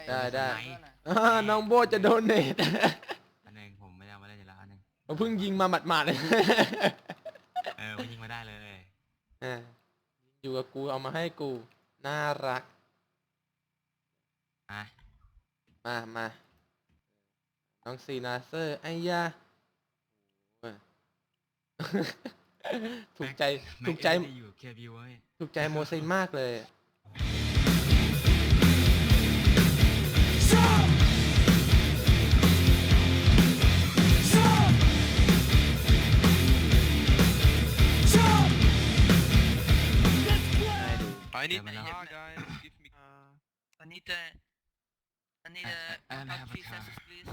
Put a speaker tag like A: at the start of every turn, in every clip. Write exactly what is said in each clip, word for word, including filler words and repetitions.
A: ได้
B: มีส
A: ได้
B: ไนป์
A: อ่าน้องโบจะโดนเนต
B: อันหนึ่งผมไม่ได้เอามาเล่นอยู่แล้วอันหนึ่ง
A: ผมเพิ่งยิงมาหมาดๆเลย
B: เออมันยิงมาได้เลย
A: อ่าอยู่กับกูเอามาให้กูน่ารัก
B: อ่ะ
A: มามาน้องซีนาเซอร์ไอ้ยาโอ้ย ถูกใจ
B: แม็
A: ถูกใจ
B: เอ็มดีอยู่เคบิวเว้ย
A: ถูกใจโมซินมากเลย
C: I need
B: Yeah, man.
C: car, guys. Give me car.
D: I need a, I need
B: I-
D: a
B: I- I don't
D: about
B: have a
D: three
B: car.
D: census, please.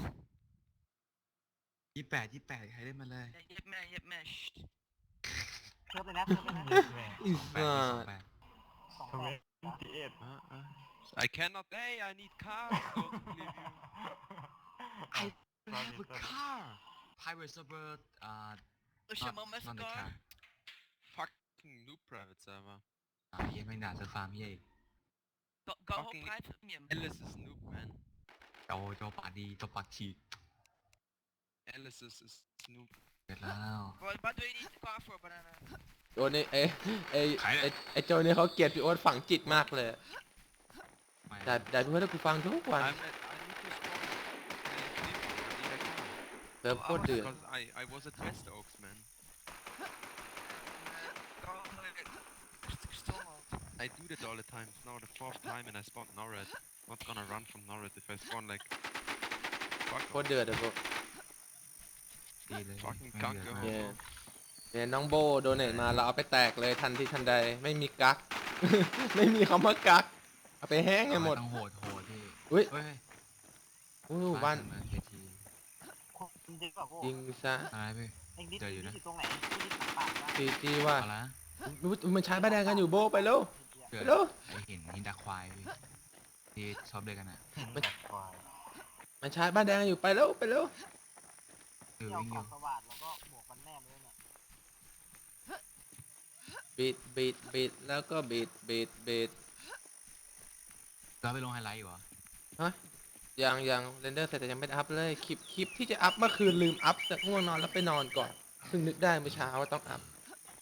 B: ยี่แปดยี่แปดใครเล่นมาเลย
D: Yeah, Yep, man, yep, man. Shh.
E: เพิ่มเลยนะเพิ่มเลยนะ
A: อี
B: แปด
A: สั
B: สอง
A: ตว์
B: แปด
E: สองแปด
C: Uh, uh. I cannot. Hey, I need car. Don't believe you.
B: I have a car private server อ่า
D: Push
B: not
D: him on my
B: not the
D: car.
B: car
C: Fucking noob private server.
B: อ่าเหี้ยังไม่ด่าเซอร์ฟาร์มเหี้ยอีก
D: Go, go home,
C: Fucking
D: private premium.
C: Alice is noob, man.
B: โจโจปากดีโจปากฉีก
C: Alice is, is noob.
B: เสร็จแล้ว
D: What, what do you need the car for, banana?
A: โจนี่เอ้ไอ้
B: ใครเนี่ย
A: ไอ้ไอ้โจนี่เขาเกลียดพี่โอ๊ตฝังจิตมากเลย
B: ไม่
A: แต่แต่พี่โอ๊ตให้กูฟังทุกวัน
C: I'm at, I need to spawn. I need a car.
A: เริ่มโคตรเดือด
C: Because I, I was at West Oaks, man.
D: Uh, go home, uh, Stormhold.
C: I do that all the time. It's now the fourth time and I spawned Norred. Not gonna run from Norred if I spawn like... Fuck
A: โคตรเดือดเลยพวก
B: ดีเลย
C: fucking
B: ไม่
C: cuck,
B: เดือด
C: yo.
B: มาก
A: เนี่ยเนี่ยน้องโบโดเนทมาเราเอาไปแตกเลยทันทีทันใดไม่มีกัก ไม่มีคำว่ากักเอาไปแห้งให้หมด
B: ต้องโหดโหดพี่
A: อุ้ย
B: เฮ้ย
A: อู้บ้าน
B: เมืองเคที
E: คุณจริงป่ะพวก
A: ยิงซะ
B: อะไรพี่
E: เอ็งดิส
B: เจออยู่นะ
E: อยู่ตรงไหนที่ดิสของป่าปะ
A: จีจีว่า
B: เอาละ
A: อุ๊ยมันใช้บ้านแดงกันอยู่โบไปแล้ว
B: เกิ
A: ไป
B: ด
A: แล้ว
B: ไอเห็นหินดาควายพี่ที่ชอบเล่นกันอ่ะ
A: มันใช้บ้านแดงกันอยู่ไปแล้วไปแล้ว
B: คือ
E: ที่เอา
B: วิ่งอ
E: ขอยู่ งสว่านแล้วก็หมวกมันแนบเลยเนี่ย
A: บีดบีดบีดแล้วก็บีดบีดบีด
B: เราไปลงไฮไลท์อยู่เหรอ
A: ฮะยังยังเรนเดอร์เสร็จแต่ยังไม่ได้อัพเลยคลิปคลิปที่จะอัพเมื่อคืนลืมอัพแต่ง่วงนอนแล้วไปนอนก่อนเพิ่งนึกได้เมื่อเช้าว่าต้องอัพ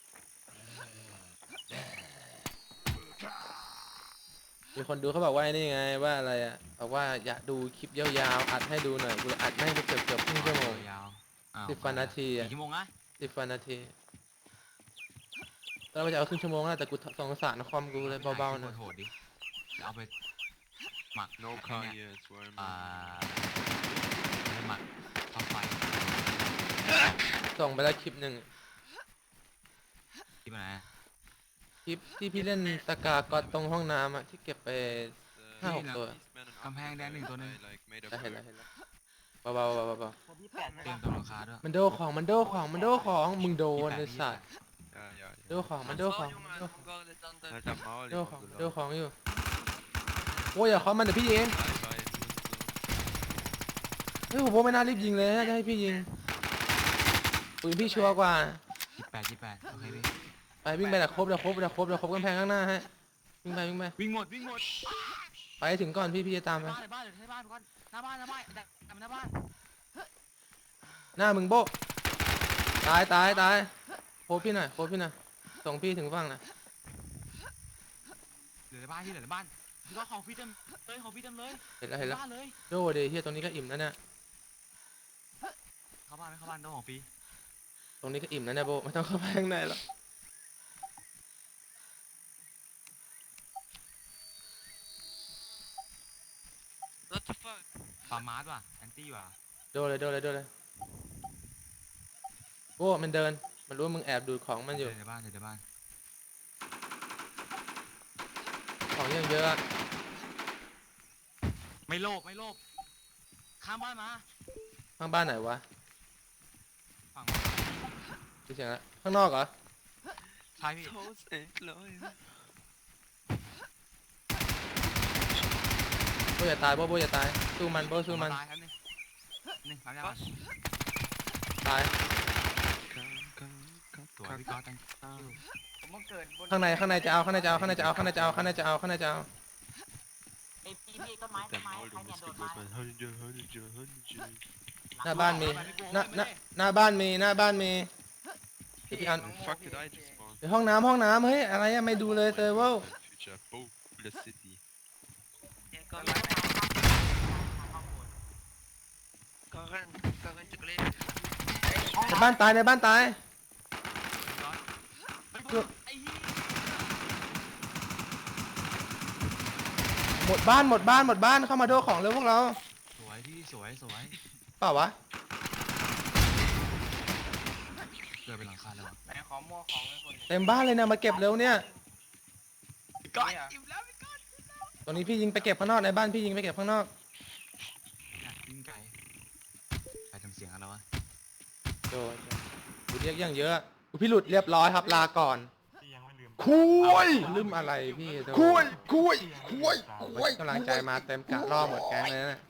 A: มีคนดูเขาบอกว่าไอ้นี่ไงว่าอะไรอ่ะบอกว่าอยากดูคลิปยาวๆอัดให้ดูหน่อยกูเลยอัดแม่งไปเกือบเกือบครึ่งชั่วโมง
B: ยาวอ้าว
A: สิบกว่านาทีอะ
B: กี่ชั่วโมงอะ
A: สิบกว่านาทีตอนแรกว่าจะเอาครึ่งชั่วโมงแล้วแต่กูสงสารคอมกูเลยเบาๆหน่อย
B: โหดๆดิเอาไปหมัก
C: No
B: ไอ้
C: car
B: เนี่ย
C: here, I swear,
B: อ่า
C: man.
B: ไปหมักทำไฟ
A: ส่งไปแล้วคลิปหนึ่ง
B: ที่มันไหน
A: คลิปที่พี่เล่นสกากอตตรงห้องน้ำอะที่เก็บไป
C: Uh,
A: How
C: these
A: to-
C: men and
B: กำแพงแดงหนึ่งตัวหนึง
C: I like made up
A: ได้เห็นแล้ว
C: for
A: เห็นแล้วเบาๆเบาๆเบา
E: คนที่แปด
B: เตรียมตัวราคาด้วย
A: ๆมันโดของมันโดของมันโดของมึงโดนไอ้สัตว์
C: Ja, ja,
A: โด
C: ja.
A: ของมันโดของ
D: jongen,
A: มันโดของ
D: I'm going to thunder.
C: Alter Maul,
A: โด
C: ich
A: ของ
C: hab
A: โด
C: gelacht.
A: ของอยู่โอ้ยอย่าเคาะมันเดี๋ยวพี่ยิง
C: Bye, bye.
A: เฮ้ยผมว่าไม่น่ารีบยิงเลยน่าจะให้พี่ยิงปืนพี่ชัวร์กว่า
B: ยี่แปดยี่แปดโอเคพี่
A: ไปวิ่งไปเดี๋ยวครบเดี๋ยวครบเดี๋ยวครบเดี๋ยวครบกำแพงข้างหน้าฮะวิ่งไปวิ่งไป
B: วิ่งหมดวิ่งหมด
A: ไปให้ถึงก่อนพี่พี่จะตามไป
B: บ้านในบ้านในบ้านก่อนหน้าบ้านหน้าบ้านดักดักหน้าบ้าน
A: หน้ามึงโบะตายตายตายโคบพี่หน่อยโคบพี่หน่อยส่งพี่ถึงฝั่งหน่อย
B: เหลือในบ้านที่เหลือในบ้านที่ก็ของพี่เต็มเลยของพี่เต็มเลย
A: เห็นแล้วเห็นแล้ว
B: บ้านเลย
A: โดเดย์เฮียตรงนี้ก็อิ่มแล้วเนี่ย
B: เข้าบ้านไหมเข้าบ้านโดนของพี่
A: ตรงนี้ก็อิ่มแล้วเนี่ยโบไม่ต้องเข้าไปข้างในหรอก
D: What the fuck?
B: ฟาร์มาร์สว่ะแอนตี้ว่ะ
A: โดเลยโดเลยโดเลยโบมันเดินมันรู้ว่ามึงแอบดูดของมันอยู่
B: เจอในบ้านเจอในบ้าน
A: ของยังเยอะอะ
B: ไม่โลภไม่โลภข้ามบ้านมา
A: ข้างบ้านไหนวะ
B: ฝั่ง
A: ดูเสียงละข้างนอกเหรอ
B: ใช่พี่
C: Toast and Leute.
A: โบอย่าตายโบโบอย่าตายสู้มันโบสู้มัน
B: ตายครับนี่นี่ฟังยัง
D: Was?
A: ตาย
B: ตัวพี่ก๊อตตั้ง
E: ผมมาเกิดบน
A: ข้างในข้างในจะเอาข้างในจะเอาข้างในจะเอาข้างในจะเอาข้างในจะเอาข้างในจะเอา
E: เออ้พี่พี่ต้นไม้ต้น
C: Damn,
E: ไม้
C: all
E: ใคร
C: the
E: เนี่ยโด
C: mistake
E: ดมา
C: was my hundred, hundred, hundred.
A: หน้าบ้านมีหน้าหน้าหน้าบ้านมีหน้าบ้านมีเดี๋ยวพี่อัน
C: The fuck did I just spawn?
A: ไปห้องน้ำห้องน้ำเฮ้ยอะไรอะไม่ดูเลยเซอร์เวอร์
C: My future Bola City.
D: Yeah, go
E: ต้น
D: right
E: ไม้
D: back.
E: ข้างบน
D: Go run. Go run to Glen.
A: ในบ้านตายในบ้านตาย
B: ไอ้เหี้ย
A: หมดบ้านหมดบ้านหมดบ้านเข้ามาโดของเร็วพวกเรา
B: สวยพี่สวยสวย
A: เปล่าวะ
B: เดินไปหลังคาเลยวะ
D: ไหนขอมั่วของให้คน
A: เต็มบ้านเลยนะมาเก็บเร็วเนี่ย
D: ก่อนอิ่มแล้วพี่ก่อน
A: ตรงนี้พี่ยิงไปเก็บข้างนอกในบ้านพี่ยิงไปเก็บข้างนอก
B: อยากวิ่งไกลใครทำเสียงอะไรวะ
A: โดนกูเรียกอย่างเยอะกูพี่หลุดเรียบร้อยครับลาก่อน
E: พี่ยังไม่ลืม
A: คุยลืมอะไรพี่โดน
E: คุยคุยคุย
A: กำลังใจมาเต็มกะล่อหมดแก๊งเลยนะ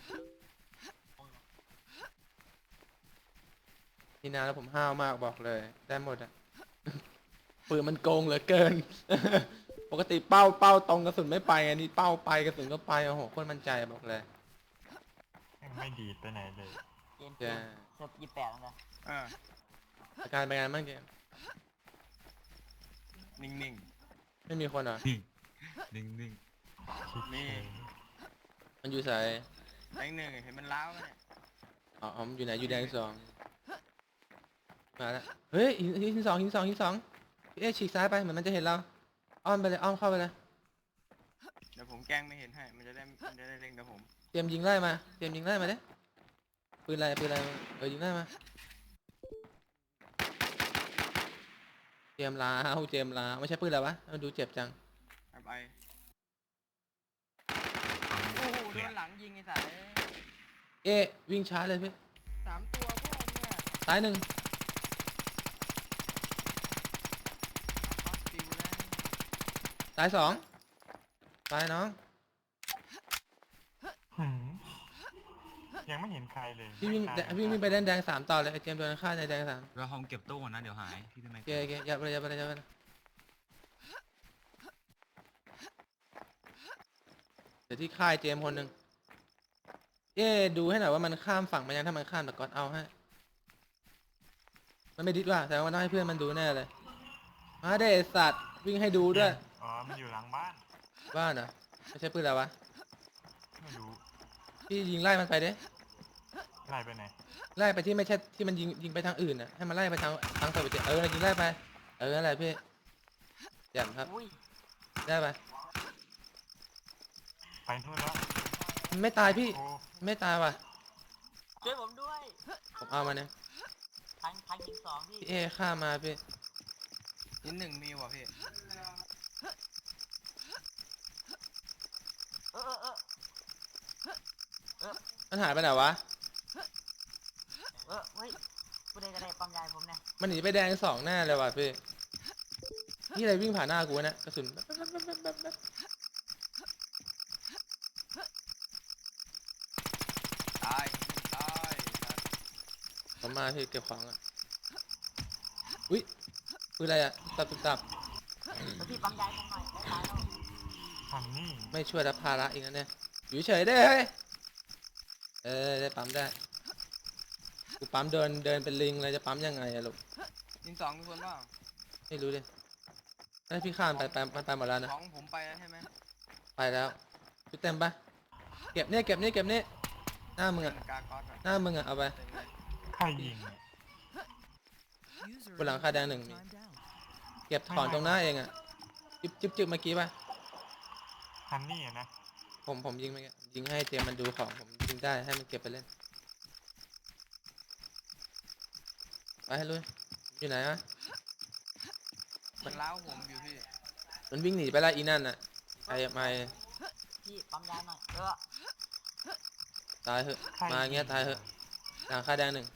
A: นี่นาแล้วผมห้าวมากบอกเลยได้หมดอะปืนมันโกงเหลือเกิน ปกติเป้าเป้าตรงกระสุนไม่ไปไงนี่เป้าไปกระสุนก็ไปโอ้โหโคตรมั่นใจบอกเลย
E: ไม่ดีไปไหนเลยเกมเก
A: จะ
E: มเสิร์ฟยี่แปดนะ
D: อ่า
A: อาการเป็นไงบ้างเกม
D: นิ่ง
A: ไม่มีคนเหรอ
B: นิ่งนิ่ง
D: ๆนี่
A: มันอยู่ใส่
D: แบงค์หนึ่งเห็นมันล้าวไหมเนี่ย
A: อ๋ออ๋อมันอยู่ไหนอยู่แดงสองมาแล้วเฮ้ยหินหินสองหินสองหินสองพี่เอ๊ะฉีกซ้ายไปเหมือนมันจะเห็นเราอ้อมไปเลยอ้อมเข้าไปเลย
D: เดี๋ยวผมแกล้งไม่เห็นให้มันจะได้มันจะได้เล็งกับผม
A: เตรียมยิงไล่มาเตรียมยิงไล่มาเด้ปืนอะไรปืนอะไรเออยิงไล่มาเตรียมลาวเตรียมลาวไม่ใช่ปืนอะไรวะมันดูเจ็บจัง
D: ไปไปโอ้โหโดนหลังยิงไอ้สาย
A: เอ๊ะวิ่งช้าเลยพี่
D: สามตัวพวกเนี่ย
A: ซ้ายหนึ่ง
D: เอาปิวแล้ว
A: ซ้ายสองซ้ายน้อง
E: ยังไม่เห็นใครเลย
A: พี่วิ่งแดวิ่งวิ่งไปแดงแดงสามต่อเลยไอเจมส์โดนฆ่าในแดงสาม
B: เราห้องเก็บตู้ก่อนนะเดี๋ยวหายพี่ทำไม
A: โอเคโอเคยับไปเลยยับไปเลยยับไปเลยเดี๋ยวที่ค่ายเจมส์คนหนึ่งเอ๊ะดูให้หน่อยว่ามันข้ามฝั่งมายังถ้ามันข้ามแต่ก่อนเอาให้มันไม่ดิดว่ะแต่ว่าต้องให้เพื่อนมันดูแน่เลยมาเด้สัตว์วิ่งให้ดูด้วย
E: อ๋อมันอยู่หลังบ้าน
A: บ้านเหรอไม่ใช่ปืนอะไรวะ
E: ไม่รู้
A: พี่ยิงไล่มันไปเด้
E: ไล่ไปไหน
A: ไล่ไปที่ไม่ใช่ที่มันยิงยิงไปทางอื่นน่ะให้มันไล่ไปทางทางเปิดประตูเออยิงไล่ไปเอออะไรพี่แจ่มครับ
E: อุ้ย
A: ได้ไป
E: ไปนู่นแล้ว
A: มันไม่ตายพี่
E: โอ้
A: ไม่ตายว่ะ
E: ช่วยผมด้วย
A: ผมเอามาเนี่ย
E: ทางทางยิงสองพี่
A: พี่เอฆ่ามาพี่
D: นิดหนึ่งมีว่ะพี่
E: เออเออเออ
A: มันหายไปไหนวะ
E: เออเฮ้ยผู้ใดก็ได้ปั๊มยายผมเนี่ย
A: มันหนีไปแดงสองแน่เลยว่ะพี่นี่อะไรวิ่งผ่านหน้ากูวะเนะกระสุนแป๊บแป๊บแป๊บแป๊บแป๊บแป๊บ
D: ตายตายตาย
A: ผมมาพี่เก็บของอ่ะอุ้ยปืนอะไรอ่ะตับตับตับ
E: แล้วพี่ปั๊มยายผมหน่อยได้ตายแล้วทางนี้
A: ไม่ช่วยรับภาระอีกนะเนี่ยอยู่เฉยได้เฮ้ยเออได้ปั๊มได้กูปั๊มเดินเดินเป็นลิงเลยจะปั๊มยังไงอะลูก
D: ยิงสองมีคนเปล่า
A: ไม่รู้ดิไอ้ยพี่ข้ามไปไปมันไปหมดแล้วนะ
D: ของผมไปแล้วใช่ไหม
A: ไปแล้วชุดเต็มปะเก็บเนี่ยเก็บนี่เก็บนี่หน้ามึงอะ
D: กากอดอะ
A: หน้ามึงอะเอาไป
D: เต็มเลย
E: ใครยิง
A: บนหลังคาแดงหนึ่งมีเก็บถอนตรงหน้าเองอะจิบจิบจิบเมื่อกี้ปะ
E: ฮันนี่อะนะ
A: ผมผมยิงไปยิงให้เจมมันดูของผมยิงได้ให้มันเก็บไปเล่นไปให้ลุยอยู่ไหนอะ
D: มันล้าวผมอยู่พี่
A: มันวิ่งหนีไปแล้วอีนั่นอะไอ้ไม่
E: พี่ปั๊มยายหน่อยเออ
A: ตายเหอะมาอย่างเงี้ยตายเหอะหลังคาแดงหนึ่ง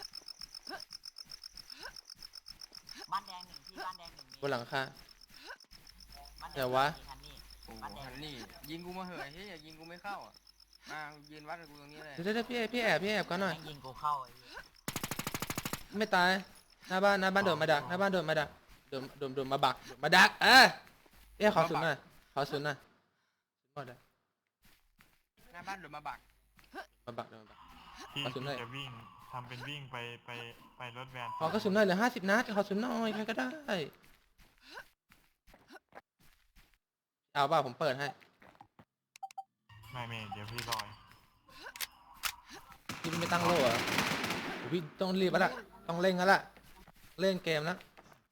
E: บ้านแดงหนึ่งพี่บ้านแดงหนึ่งมี
A: บนหลังคา
E: บ้านแดง
A: เดี๋ยววะ
E: มีฮันนี่
D: โอ้โหฮันนี่ยิงกูมาเหอะเฮ้ยยิงกูไม่เข้าอ่ะมายืนวัดกับกูตรงนี้เลย
A: เดี๋ยวเดี๋ยวพี่พี่แอบพี่แอบก่อนหน่อย
E: แม่งยิงกูเข้าไอ้เหี้ย
A: ไม่ตายหน้าบ้านหน้าบ้านโดดมาดักหน้าบ้านโดดมาดักโดดโดดโดดมาบักโดดมาดักเออเอ๊ะขอศูนย์หน่อยขอศูนย์หน่อยหมดเลย
D: หน้าบ้านหรือมาบัก
A: มาบักเดี๋ยวมาบัก
F: ที่
A: กระสุนหน่อย
F: จะวิ่งทำเป็นวิ่งไปไปไปรถแวน
A: ขอกระสุนหน่อยเหลือห้าสิบนัดขอกระสุนหน่อยใครก็ได้เอาป่ะผมเปิดให้
F: ไม่เมย์เดี๋ยวพี่ลอย
A: พี่ไม่ตั้งโล่เหรอโอ้พี่ต้องรีบแล้วล่ะต้องเร่งแล้วล่ะเล่นเกมแล้ว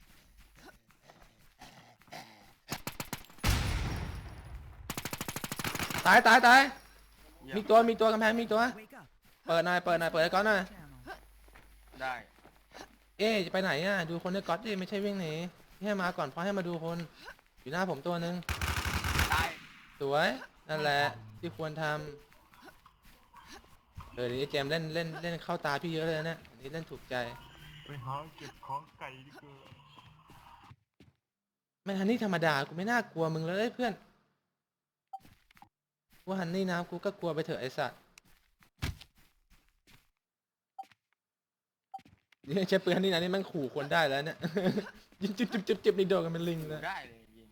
A: ตายตายตาย
D: เยี่ย
A: มีตัวมีตัวกำแพงมีตัว
G: Wake up.
A: เปิดหน่อยเปิดหน่อยเปิดไอ้ก๊อตหน่อย
G: Channel.
D: ได้
A: เอ๊ะจะไปไหนอ่ะดูคนในก๊อตดิไม่ใช่วิ่งหนีนี่ให้มาก่อนเพราะให้มาดูคนอยู่หน้าผมตัวหนึ่ง
D: ตาย
A: สวยนั่นแหละที่ควรทำเออเดี๋ยวนี้เจมส์เล่นเล่นเล่นเข้าตาพี่เยอะเลยนะเนี่ยอันนี้เล่นถูกใจ
F: ไปหาเก็บของไก่ดีกว่า
A: ไม่ฮันนี่ธรรมดากูไม่น่ากลัวมึงเลยเพื่อนกูฮันนี่นะกูก็กลัวไปเถอะไอ้สัตว์นี่ใช้ปืนฮันนี่นะนี่มันขู่คนได้แล้วเนี่ย ยิงจิบจิบจิบจิบนี่โดนกันเป็นลิงเลย
D: ได้เลยยิง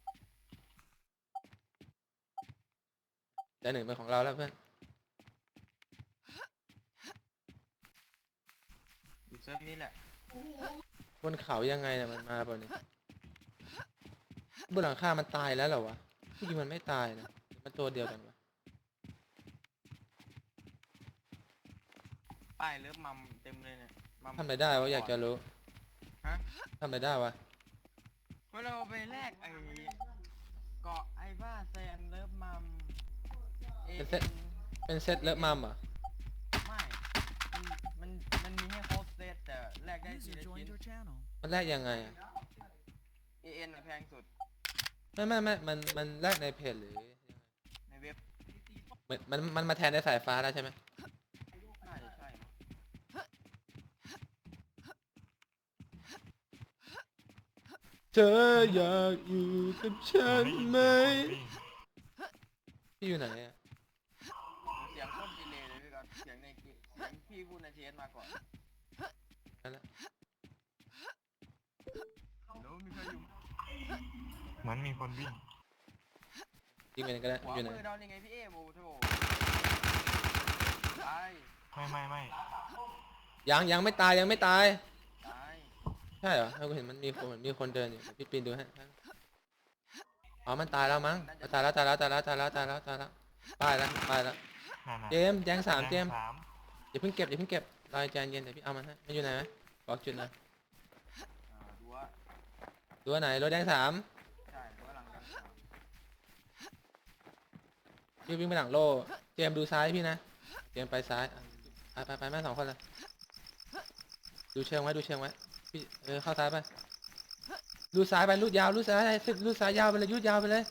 A: แต่หนึ่งเป็นของเราแล้วเพื่อน
D: อยู่เซิร์ฟนี้แหละ
A: บนเขายังไงเนี่ยมันมาเปล่าเนี่ยบนหลังคามันตายแล้วเหรอวะที่จริงมันไม่ตายนะมันตัวเดียวกันวะ
D: ป้ายเลิฟมัมเต็มเลยเนี่ยมัม
A: ทำอะไรได้วะอยากจะรู้
D: ฮะ
A: ทำอะไรได้วะ
D: เมื่อเราไปแลกไอ้เกาะไอ้บ้าแซนเลิฟมัมเอ
A: เป็นเซตเป็นเซตเลิฟมัมเหรอ
D: ไม่มันมันมันมีให้ครบเซตแต่แลกได้ที
G: User
D: ละชิ้
G: joined
D: น
G: your channel.
A: มันแลกยังไงอะ
D: เอเอ็นแพงสุด
A: ไม่ไม่ไม่มันมันแลกในเพจหรือยังไง
D: ในเว็บ
A: มันมันมันมาแทนในสายฟ้าแล้วใช่ไหม
D: น่าจะใช่นะ
A: เธออยากอยู่กับฉันไหม
F: วิ่ง
A: พี่อยู่ไหนอะ
D: เสียงโคตรดีเลยเลยพี่ก๊อตเสียงในเกมเสียงพี่พูดในเทสมาก่อน
A: นั่นแหละ
D: แล้วมีใครอยู่
F: เหมือนมีคนวิ่ง
A: ยิงไปไหนก็ได้
D: ขวา
A: อยู่ไหน
D: มือเรานี่ไงพี่เอโบโถตาย
F: ไม่ไม่ไม่
A: ยังยังไม่ตายยังไม่ตาย
D: ตาย
A: ใช่เหรอเราเห็นมันมีคนเหมือนมีคนเดินอยู่เดี๋ยวพี่ปีนดูให้อ๋อมันตายแล้วมั้งตายแล้วตายแล้วตายแล้วตายแล้วตายแล้วตายแล้วตายแล้วตายแล้ว
F: นั่นน่ะ
A: เจมส์แดงสามเจมส์
F: แดงสาม
A: อย่าเพิ่งเก็บอย่าเพิ่งเก็บรอยใจเย็นเดี๋ยวพี่เอามันให้มันอยู่ไหนไหมบอกจุดหน่อย
D: อ่าดูว่า
A: ตัวไหนรถแดงสาม
D: ใช่ดูว่าหลังกันสาม
A: พี่วิ่งไปหลังโล่เจมส์ดูซ้ายพี่นะเจมส์ไปซ้ายอ่ะไปไปไปแม่สองคนเลยดูเชิงไว้ดูเชิงไว้พี่เออเข้าซ้ายไปลูดซ้ายไปลูดยาวลูดซ้ายสิบลูดซ้ายยาวไปเลยลูดยาวไปเลย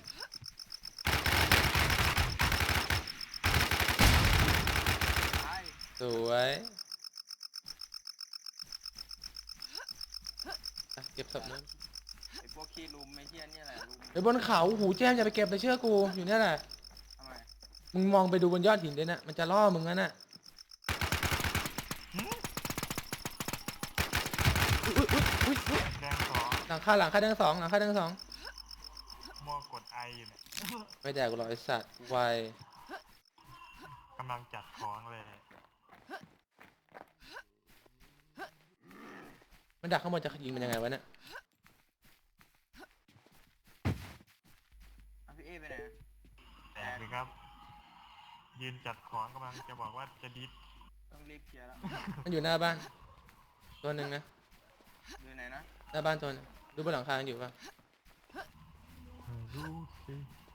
D: ตาย
A: สวยอ่ะเก็บศพนึง
D: ไอ้พวกขี้ลุมไม่เที่ยนี่แหละลุม
A: ไปบนเขาหูแจมอย่าไปเก็บเลยเชื่อกูอยู่เนี่ยแหละ
D: ทำไม
A: มึงมองไปดูบนยอดหินด้วยนะมันจะล่อมึงนั่นน่ะอุ๊ยอุ๊ยอุ๊ยอุ๊ย
F: แดงสอง
A: หลังคาหลังคาแดงสองหลังคาแดงสอง
F: มัวกดไออยู่เนี่ย
A: ไม่แดกกูหรอกไอสัตว์ไว
F: กำลังจัดของเลย
A: มันดักข้างบนจะยิงมันยังไงวะเนี่ย
D: อ่ะพี่เอไปไหน
F: แตกเลยครับ ยืนจัดของกำลังจะบอกว่าจะดิส
D: ต้องรีบเคลียร์แล้ว
A: มันอยู่หน้าบ้านตัวหนึ่งนะ
D: อยู่ไหนนะ
A: หน้าบ้านตัวหนึงดูบนหลังคาอยู่ป่ะ
F: รู้สิ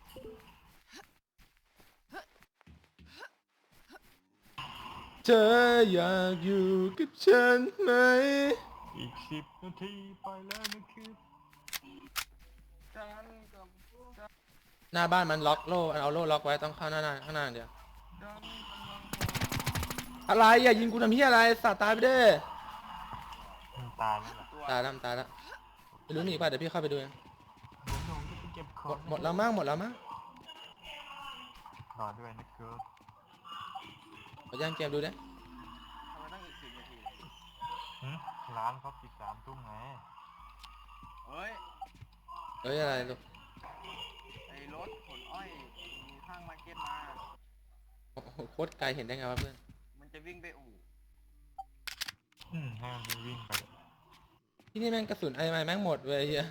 A: เธออยากอยู่กับฉันไหม
F: อีกสิบนาทีไปแล้วนะครับ
D: ฉันกับ
A: หน้าบ้านมันล็อกโล่เอาโล่ล็อกไว้ต้องเข้าหน้าหน้าข้างหน้าอย่างเดียว
D: ฉันกำลัง
A: อะไรอย่ายิงกูทำเฮียอะไรสัตว์ตายไปเด้อ
F: มันตายแล้วล่ะ
D: ตัว
A: ตายแล้วมันตายแล้วไม่รู้หนีป่ะเดี๋ยวพี่เข้าไปดูเอง
F: เดี๋ยวผมจะไปเก็บข
A: หม
F: อง
A: ดหมดแล้วมั้งหมดแล้วมั้ง
F: รอด้วยนะครับ
A: ขอย่างเกมดูดิ
D: ทำไมต้องอีกสิบนาที
F: หึร้านเขาปิดสามทุ่มไง
D: เฮ้ย
A: เอ้ยอะไรลูก
D: ไอ้รถขนอ้อยมีข้างมาร์เก็ตมา
A: โอ้โหโคตรไกลเห็นได้ไงวะเพื่อน
D: มันจะวิ่งไปอู่
F: อืมให้มันวิ่งไป
A: ที่นี่แม่งกระสุนไอ้ไม้แม่งหมดเว้ยเหี้ย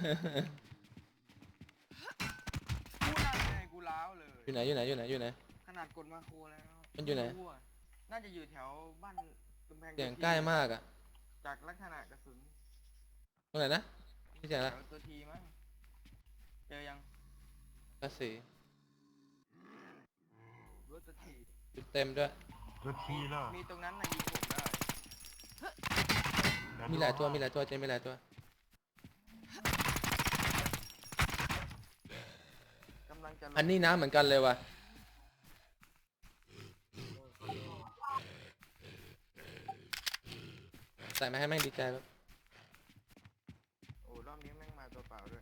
D: กูนั่นไงกูล้าวเลย
A: อยู่ไหนอยู่ไหนอยู่ไหนอยู่ไหน
D: ขนาดกดมาโครแล้ว
A: มันอยู่ไหน
D: ม่รู้ะน่าจะอยู่แถวบ้านกำแพง
A: เสียงใกล้มากอ่ะ
D: จากลักษณะกระสุน
A: ตรงไหนนะไม่เสียง
D: แถ
A: ละ
D: วตัวทีมั้งเจอยัง
A: กระสี
D: รถตัวที
A: จุดเต็มด้วย
F: รถทีแล้ว
D: มีตรงนั้นนะยิงผมได้
F: เดี๋
A: มีหลายตัวมีหลายตัวเจมีหลายตัว
D: กำลังจะลง
A: อันนี้น้ำเหมือนกันเลยว่ะใส่มาให้แม่งดีใจแบบ
D: โอ้รอบนี้แม่งมาตัวเปล่าด้วย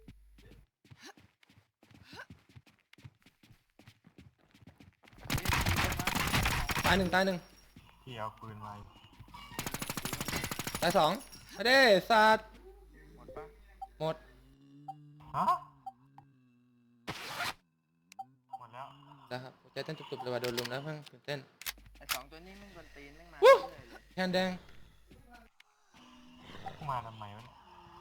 A: ตายหนึ่งตายหนึ่ง
F: ที่เอาปืนมา
A: ตายสองไม่ได้สัตว์
D: หมดปะ
A: หมด
F: ฮะหมดแล้ว
A: แล้วครับใจเต้นตุบๆเลยว่ะโดนลุมแล้วเพิ่งตื่นเต้น
D: ไอสองตัวนี้แม่งกวนตีนแม่งมา
A: วู้
D: เรื่อยๆเลย
A: แคนแดง
F: มาทำไมวะเนี่ย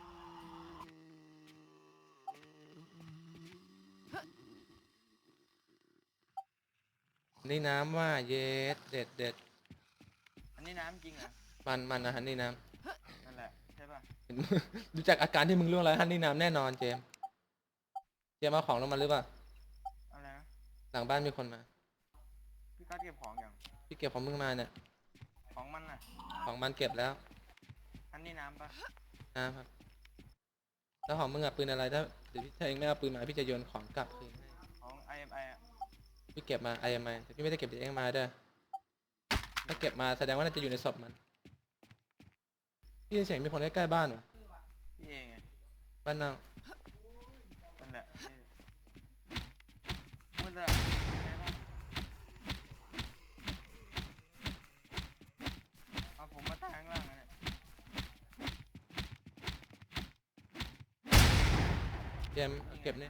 A: นี่น้ำว่าเย็ดเด็ดเด็ด
D: อันนี้น้ำจริงเหรอ่ะ
A: มันมันนะฮันนี่น้
D: นั่นแหละใช่ป่ะ
A: ำ ดูจากอาการที่มึงล่วงแล้วฮันนี่น้ำแน่นอนเจมส์เจมส์เอาของลงมาหรือเปล่า
D: อะไรนะ
A: หลังบ้านมีคนมา
D: พี่กัดเก็บของอย่าง
A: พี่เก็บของมึงมาเนี่ย
D: ของมันน่ะ
A: ของมันเก็บแล้ว
D: อันนี้น้ำปะ
A: นะครับแล้วของมึงอะปืนอะไรถ้าเดี๋ยวพี่ถ้าเองไม่เอาปืนมาพี่จะโยนของกลับคืนให้
D: ของ ไอ เอ็ม ไอ อ่ะ
A: พี่เก็บมาไอเอ็มไอแต่พี่ไม่ได้เก็บจากเองมาเด้อถ้าเก็บมาแสดงว่าน่าจะอยู่ในศพมันพี่ได้ยินเสียงมีคนใกล้ๆบ้านวะ
D: พี่เองไง
A: บ้านนอก
D: นั่นแหละนี่มืดเลยใช่ปะเอาผมมาตั้งข้างล่างนะเนี่ย
A: เจมส์เอาเก็บนี่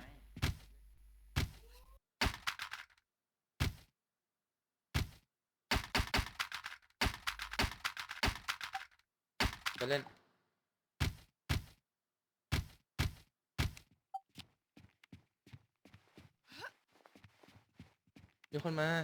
A: ไปเล่นมีคนมา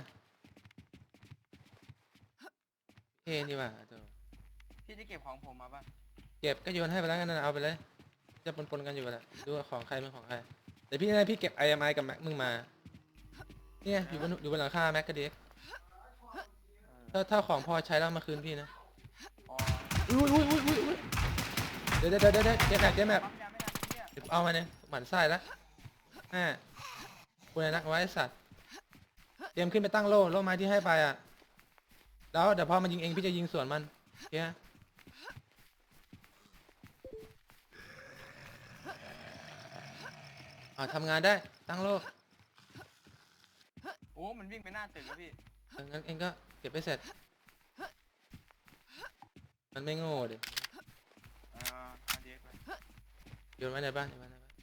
A: เท่นี่ว่ะตัว
D: พี่จะเก็บของผมมาปะ
A: เก็บก็โยนให้ไปแล้วกันนะเอาไปเลยจะปนๆกันอยู่แหละดูว่าของใครเป็นของใครแต่พี่นะพี่เก็บ ไอ เอ็ม ไอ กับแม็กมึงมาเนี่ยอยู่บนอยู่บนหลังคาแม็กกับเด็ก
D: เออ
A: ถ้าถ้าของพอใช้แล้วเอามาคืนพี่นะ
D: อ๋อ
A: อุ้ยอุ้ยอุ้ยอุ้ยอุ้ยเดี๋ยวเดี๋ยวเดี๋ยวเดี๋ยวเจ๊แม็กเจ๊แม็ก
D: ปั๊มยาไม่ทันเนี่ย
A: เดี๋ยวเอามาเนี่ยหมันไส้แล้วแม่คุณไอ้นักไว้ไอ้สัตว์เตรียมขึ้นไปตั้งโล่โล่ไม้ที่ให้ไปอ่ะแล้วเดี๋ยวพอมันยิงเองพี่จะยิงสวนมันโอเคอ่าทำงานได้ตั้งโล่
D: โอ้ มันวิ่งไปหน้าตึกแล้วพี่
A: เอองั้นเองก็เก็บไปเสร็จ มันไม่โง่ดิ
D: เออเอาเด็กไป
A: โยนไว้ในบ้านโยนไว้ในบ้าน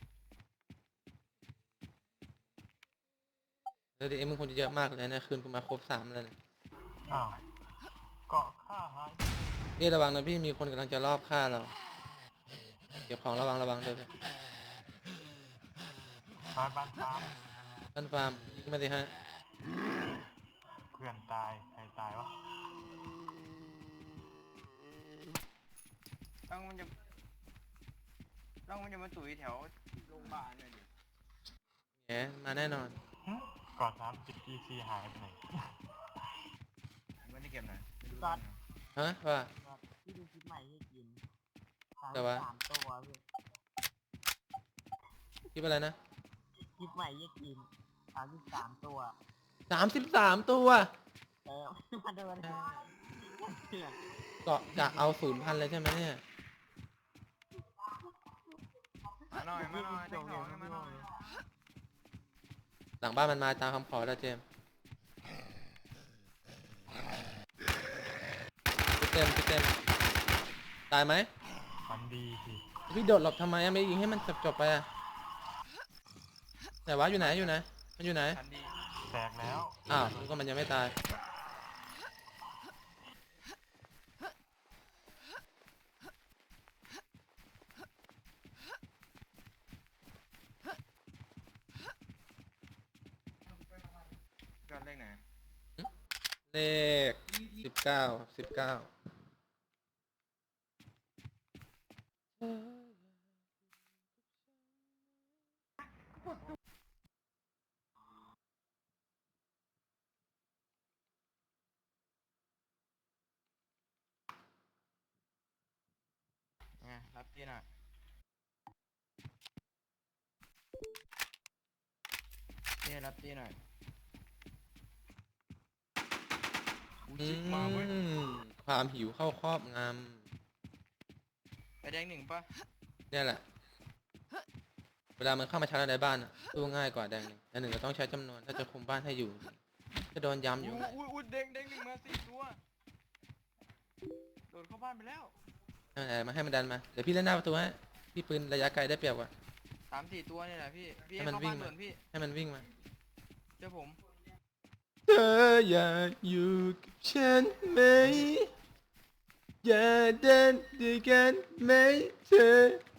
A: แล้วดิเอ็มมึงคงจะเยอะมากเลยนะคืนกูมาครบสามแล้วเนี่ย
F: อ้าวเกาะข้าหาย
A: พี่ระวังนะพี่มีคนกำลังจะรอบฆ่าเราเก็บของระวังระวังด้วย
F: ตายบ้านตาม
A: ท่านฟาร์มยิงมาสิฮะ
F: เพื่อนตายใครตายวะ
D: ต้องมันจะต้องมันจะมาตุ๋ยแถวโรงพยาบาลเลยดิ
A: แหมมาแน่นอน
F: หึเกาะสามสิบจีซีหายไปไหน
D: ไม่ได้เก็บไหนไม่รู้
E: ตัด
A: ฮะว่า
E: พี่ดูคลิปใหม่ให้กินสาม
A: แต่ว่า
E: สามตัวพี่
A: คิดอะไรนะ
E: คลิปใหม่ให้กินสามสิบสามตัว
A: สามสิบสามตัว
E: เออ มาดูนะเถื่อน
A: เกาะกะเอาศูนย์พันเลยใช่ไหมเนี่ย
D: มาหน่อยมาหน่อยเด็กสองมาหน่อย
A: หลังบ้านมันมาตามคำขอแล้วเจมส์เต็มเต็มตายไหม
F: ฝันดีสิ
A: พี่โดดหลบทำไมอะไม่ยิงให้มันจบจบๆไปอะไหนวะอยู่ไหนอยู่ไหนมันอยู่ไหน
D: ทันดี
F: แตกแล้ว
A: อ้าวนึกว่ามันยังไม่ตาย
D: ก็เลขไหน
A: เลขสิบเก้าสิบเก้า
D: ไงรับที่หน่อยนี่รับที่หน่อยกู
A: อื
D: ชิกมาเว้ย
A: มความหิวเข้าครอบง
D: ไปแดงหนึ่งปะ
A: ำเนี่ยแหละ เวลามันเข้ามาชาร์จในบ้านอะสู้ง่ายกว่าแดงหนึ่งแดงหนึ่งเราต้องใช้จำนวน ถ้าจะคุมบ้านให้อยู่ จะโดนย้ำอยู่
D: อุ้ยอุ้ยอุ้ยแดงแดงหนึ่งมาสี่ตัวโดดเข้าบ้านไปแล้ว
A: ให้มันมาให้มันดันมา เดี๋ยวพี่เล่นหน้าประตูให้พี่ปืนระยะไกลได้เปรียบกว่า
D: สามสี่ตัวนี่แหละพี่พี่
A: ให้
D: ให้
A: มัน
D: เข้า
A: วิ่
D: บ้าง น
A: มา
D: ด่วนพี่
A: ให้มันวิ่งมา
D: เจ้าผม
A: เธออยากอยู่กับฉันไหม อย่าเดินด้วยกันไหมเธอ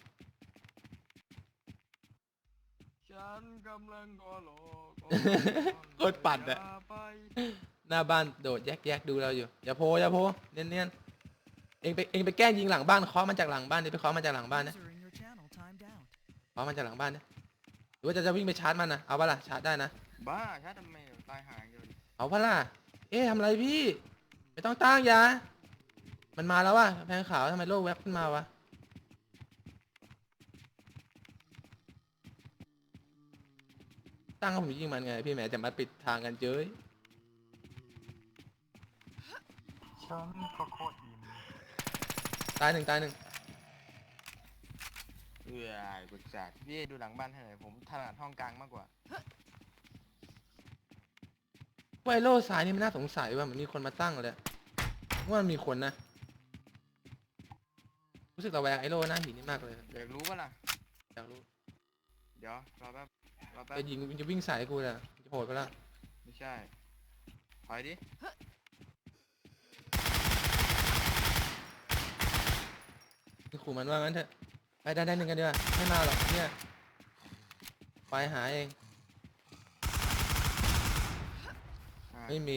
D: ฉันกำลังรอรอ
A: โคตรปั่นอะ
D: ย่าไป
A: หน้าบ้านโดดแยกๆดูเราอยู่ อย่าโพอย่าโพเนียนๆเองไปเองไปแกล้งยิงหลังบ้านเคาะมันจากหลังบ้านดิไปเคาะมันจากหลังบ้านนะ
G: User in your channel timed out.
A: เคาะมันจากหลังบ้านนะหรือว่าจะจะวิ่งไปชาร์จมันนะเอาปะล่ะชาร์จได้นะ
D: บ้าชาร์จทำไมตายหายเดียวดิ
A: เอาปะล่ะเอ๊ะทำอะไรพี่ ไม่ต้องตั้งยามันมาแล้ววะแพงขาวทำไมโลกแวบขึ้นมาวะตั้งให้ผมยิงมันไงพี่แหมจะมาปิดทางกันเจ้ย
F: ฉันก็โคตรอิ่ม
A: ตายหนึ่งตายหนึ่ง
D: เอื้อกุศลพี่ดูหลังบ้านให้หน่อยผมถนัดห้องกลางมากกว่า
A: ไวโรสายนี่มันน่าสงสัยว่ามันมีคนมาตั้งเลยว่ามันมีคนนะรู้สึกระแวงไอโร่หน้าหินนี่มากเลย
D: อยากรู้ปะล่ะ
A: อยากรู้
D: เดี๋ยวรอแป๊บรอแป๊บ
A: จะยิงมันจะวิ่งใส่กูเลยจะโหดไปแล้ว
D: ไม่ใช่ถอยดิ
A: คือขู่มันว่างั้นเถอะไปได้ได้หนึ่งกันดีกว่าไม่มาหรอกเนี่ยไปหาเอง
D: อ่า
A: ไม่มี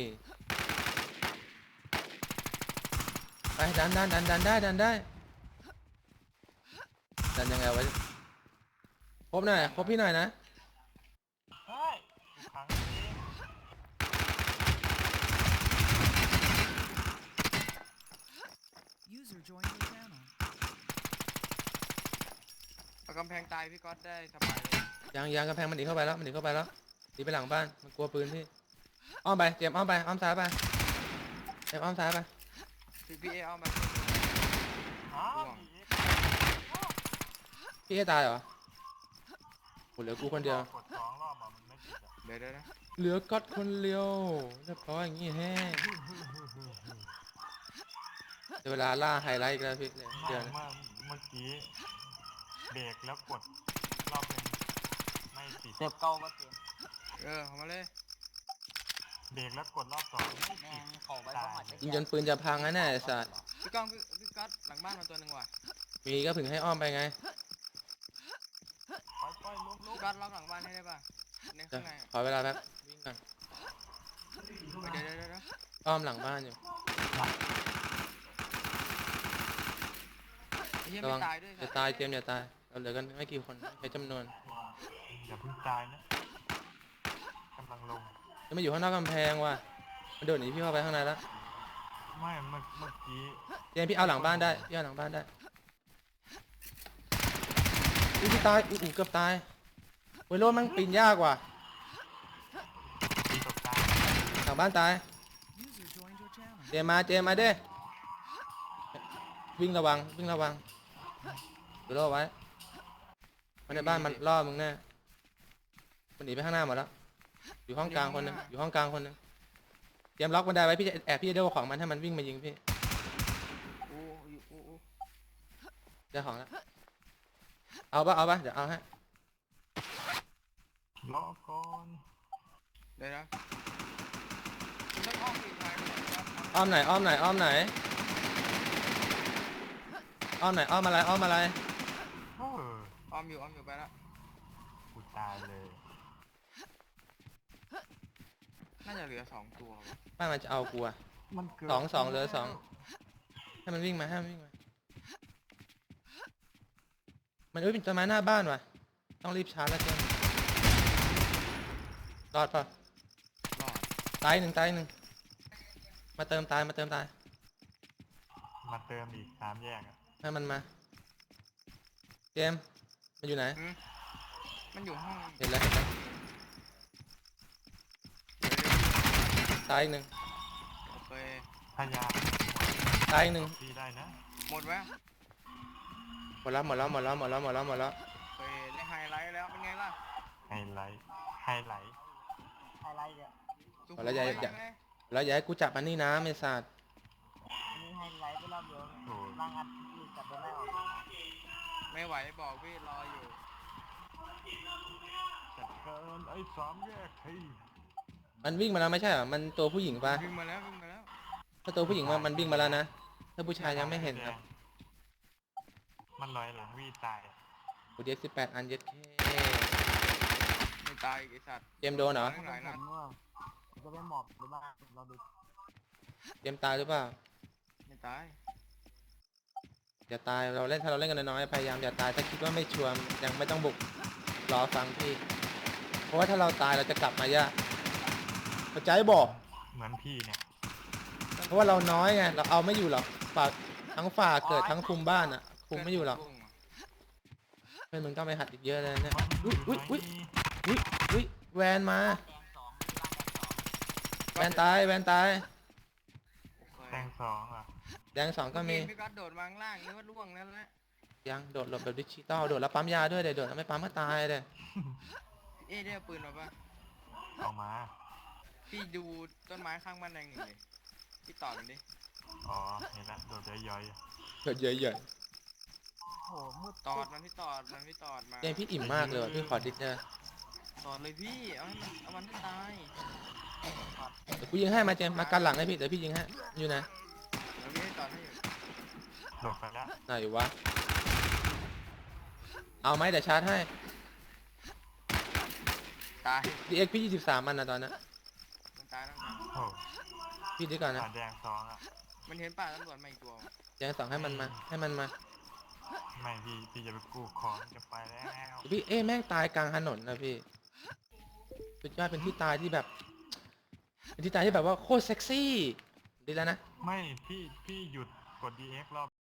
A: ไปดันดันดันดันได้ดันได้ดันยังไงวะครบหน่อยครบพี่หน่อยนะ
F: เฮ้ยขังเอง
G: User joined your channel.
D: เอากำแพงตายพี่ก๊อตได้สบายเลย
A: ยางยางกระแพงมันหนีเข้าไปแล้วมันหนีเข้าไปแล้วหนีไปหลังบ้านมันกลัวปืนพี่อ้อมไปเจมส์อ้อมไปอ้อมซ้ายไปเจมส์อ้อมซ้ายไป
D: พี่พี่เอเอามา
F: อ้าว
D: ห่วง
F: ผี
A: พี่ให้ตายเหรอโหเหลือกูคนเดียว
F: กดสองรอบอ่ะมันไม่ติดอ่ะ
D: เดี๋ยวเดี๋ยวนะ
A: เหลือก๊อตคนเดียวเรียบร้อยอย่างงี้แฮ่เดี๋ยวเวลาล่าไฮไลท์อีกแล้วพี่เลย
F: ไม่
A: เดี๋ยวนะ
F: เมื่อเมื่อกี้เบรกแล้วกดรอบหนึงไม่ติด
E: เจ็บเก่าก็เจ็บ
D: เออเอามาเลย
F: เบรกแล้วกดรอบสองไม่
E: แม่
F: ติด
E: งเข้าไปประมาณ
A: ยิงจนปืนจะพังนะเนี่ยไอ้สัส
D: พี่ก้องพี่พี่ก๊อตหลังบ้านมาตัวหนึ่งว่ะ
A: มีก็ถึงให้อ้อมไปไง
F: ปล่อยปล่อยลุกลุ
D: พี่
F: ก
D: ก๊อตล็อกหลังบ้านให้ได้ป่ะใน
A: เดี๋ย
D: ข้าว งในอะ
A: ขอเวลาแป๊บวิ่งก่อน
D: เดี๋ยวเดี๋ยวเดี๋ยวเดี๋ยว
A: อ้อมหลังบ้านอยู่
D: ไอ้เหี้ย
A: ระ
D: ไม่
A: วัง
D: ตายด้วย
A: จะตายเจมส์อย่าตายเราเหลือกันไม่กี่คนใช้จำนวน
F: อย่าเพิ่งตายนะกำลังลง
A: จะไม่อยู่ข้างนอกกำแพงว่ะมันโดดหนีพี่เข้าไปข้างในแล้ว
F: ไม่เมื่อเมื่อกี้
A: เจมส์พี่เอาหลังบ้านได้พี่เอาหลังบ้านได้อุ๊ยพี่ตายอุ๊ยอุ๊ยเกือบตายเวยโรดมันปีนยากว่ะ
F: ตีตกตาย
A: หลังบ้านตาย
G: User joined your channel.
A: เจมส์มาเจมส์มาเด้วิ่งระวังวิ่งระวังดูรอไว้มันในบ้านมันล่อมึงแน่มันหนีไปข้างหน้าหมดแล้วอยู่ห้องกลางคนหนึงอยู่ห้องกลางคนหนึงเตรียมล็อกบันไดไว้พี่จะแอบพี่จะเด้าของมันให้มันวิ่งมายิงพี่
D: โอ้ยโอ้โอ้
A: ได้ของแล้วเอาปะเอาปะเดี๋ยวเอาให้
F: รอก่อน
D: เดี๋ยวนะคุณต้องอ้อมอีกทางหนึ่งครับ
A: อ้อมไหนอ้อมไหนอ้อมไหนอ้อมไหนอ้อมอะไรอ้อมอะไร
F: โอ้ย
D: อ้อมอยู่อ้อมอยู่ไปแล้ว
F: กูตายเลย
D: น่าจะเหลือสองตัวว่ะ
A: บ้านมันจะเอากูอะ
F: มันเกิด
A: สองสองเหลือสอง ให้มันวิ่งมาให้มันวิ่งมามันอุ้ยเป็นต้นไม้หน้าบ้านว่ะต้องรีบชาร์จแล้วเจมส์รอดป่ะ
D: รอด
A: ตายหนึ่งตายหนึ่งมาเติมตายมาเติมตาย
F: มาเติมอีกสามแยกอะ
A: ให้มันมาเจมส์มันอยู่ไหน
D: หืมมันอยู่ห้อง
A: เห็นแล้วเห็นแล้วตายอีกหนึ่ง
D: โอเค
F: พยายาม
A: ตายอีกหนึ่ง
F: ตีได้นะ
D: หมดแล้ว
A: หมดแล้วหมดแล้วหมดแล้วหมดแล้วหมดแล้วหมดแล้ว
D: โอเคได้ไฮไลท์แล้วเป็นไงล่ะ
F: ไฮไลท์ไฮไลท์
E: อะไรเนี่ย
D: สุขุม
A: แล้วอย่า
D: ไว้
A: อย่า
D: ไหม
A: แล้วอย่าให้กูจับมันนี่นะไม่สัตว์
E: อันนี้ไฮไลท์ไปรอบเดียว
F: โอ้ย
E: บางอันหลุดกลับไปไม่ออก
D: ไม่ไหวบอกพี่รออยู่
F: จัดการไอ้สามแยกที
A: มันวิ่งมาแล้วไม่ใช่เหรอมันตัวผู้หญิงปะ
D: วิ่งมาแล้ววิ่งมาแล้ว
A: ถ้าตัวผู้หญิงมามันวิ่งมาแล้วนะถ้าผู้ชายยังไม่เห็นครับ
F: มันลอยหลังวีตาย
A: กูเด็กสิบแปดอันเย็ดเค
D: ไม่ตายอีกไอ้สัตว์
A: เจมส์โดนเหรอ
D: ทั้งหลายนัด
E: ผมว่าจะไปหมอบหรือบ้างเราดู
A: เจมส์ตายหรือเปล่า
D: ไม่ตาย
A: อย่าตายเราเล่นถ้าเราเล่นกันน้อยๆพยายามอย่าตายถ้าคิดว่าไม่ชัวร์ยังไม่ต้องบุกรอฟังพี่ เพราะว่าถ้าเราตายเราจะกลับมายากเข้าใจบอก
F: เหมือนพี่เนี่ย
A: เพราะว่าเราน้อยไงเราเอาไม่อยู่หรอกฝากทั้งฝ่าเกิดทั้งคุมบ้านอ่ะคุมไม่อยู่หรอก
D: เพื่นผมร่วงว่ะ
A: เพื่อนมึงต้องไปหัดอีกเยอะเลยเนี่ย
F: มัน
A: อุ้ยอุ้ยอุ้ยอุ้ยอุ้ยแวนมา
E: แดงสองที่บ้านแดงสอง
A: แวนตายแวนตาย
D: โอเค
F: แตงสองอ่ะ
A: แดงสองก็มี
D: เพี่ก๊อตโดดวางล่างนึกว่าล่วงแล้วแหละ
A: ยังโดดหลบแบบดิจิตอลโดดแล้วปั๊มยาด้วยเดี๋ยวโดดแล้วไม่ปั๊มก็ตายเลย
D: เอ๊ะได้เอาปืนมาปะ
F: เอามา
D: พี่ดูต้นไม้ข้างบ้านแดงหนึ่งดิพี่ต่อมันดิ
F: อ๋อเห็นละโดดย่อย
A: เกิดเยอะ
E: โหมืด
D: ตอดมันพี่ตอดมันพี่ตอดมา
A: ๆเกมพี่อิ่มมากเลยว่ะพี่ขอดิสเนอร์
D: ตอดเลยพี่เอาให้มันเอามันให้ตาย
A: เดี๋ยวกูยิงให้มาเจมส์มากันหลังให้พี่เดี๋ยวพี่ยิงให้อยู่นะ
D: เดี๋ยวพี่ให้ตอดให้อยู่
F: ๆโดดไปแล้ว
A: ไหนอยู่วะเอาไหมเดี๋ยวชาร์จให้
D: ตาย
A: ดีเอ็กพี่ยี่สิบสามมันนะตอนนั้น
D: มันตายแล้วนะ
F: โอ้
A: พี่ดีก่อนนะ
F: ขาแดงสองอ่ะ
D: มันเห็นป่าตำรวจมาอีกตัว
A: แดงสองให้มันมาให้มันมา
F: ไม่พี่พี่จะไปกู้ของจะไปแล้ว
A: พี่เอ้แม่งตายกลางถนนนะพี่สุดยอดเป็นที่ตายที่แบบ เป็นที่ตายที่แบบว่าโคตรเซ็กซี่ดีแล้วนะ
F: ไม่พี่พี่หยุดกด ดี เอ็กซ์ รอบ